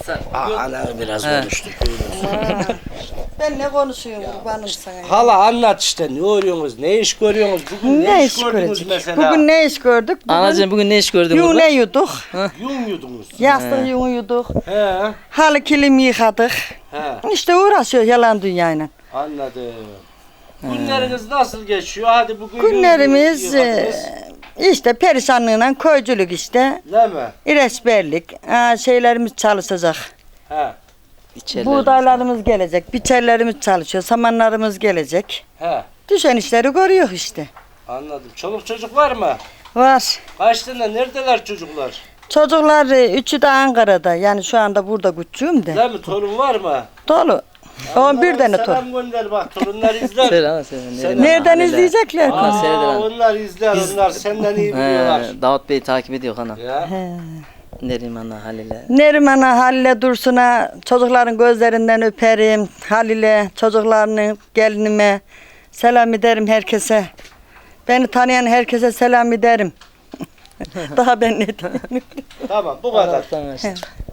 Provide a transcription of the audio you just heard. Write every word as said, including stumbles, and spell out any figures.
Aa, ana biraz He. konuştuk. Ben ne konuşuyorum kurbanım sana. ya. Hala anlat işte ne örüyorsunuz, ne iş görüyorsunuz, bugün ne, Ne iş iş gördünüz görecek? mesela? Bugün ne iş gördük? Bugün Anacığım bugün ne iş gördün yün burada? ne yuduk? Yum yudunuz. Yastık yün yuduk. He, Halı kilim yıkadık. he, İşte uğraşıyor yalan dünyayla. anladım. Günleriniz nasıl geçiyor? Hadi bugün Günlerimiz yum yudunuz, e, işte perişanlığıyla koyculuk işte. değil mi? İresberlik. Aa, şeylerimiz çalışacak. He, İçerilerimiz. Buğdaylarımız gelecek. Biçerlerimiz çalışıyor. Samanlarımız gelecek. he. Düşen işleri görüyor işte. Anladım. Çoluk çocuk var mı? Var. Kaç tane? Neredeler çocuklar? Çocuklar e, üçü de Ankara'da. Yani şu anda burada küçüğüm de. Değil mi? Torun var mı? Dolu. on bir tane torun. Selam gönder bak. Torunlar izler. Selam selam. Sen- Nereden izleyecekler? Aa, Aa, seyreder. onlar izler. Onlar senden iyi biliyorlar. He, Davut Bey takip ediyor ana. Ya. Neriman'a Halil'e. Neriman'a, Halil'e, Dursun'a, çocukların gözlerinden öperim. Halil'e, çocuklarının gelinime selam ederim herkese. Beni tanıyan herkese selam ederim. Daha ben ne diyeyim? Tamam bu kadar. Allah'tan açtı.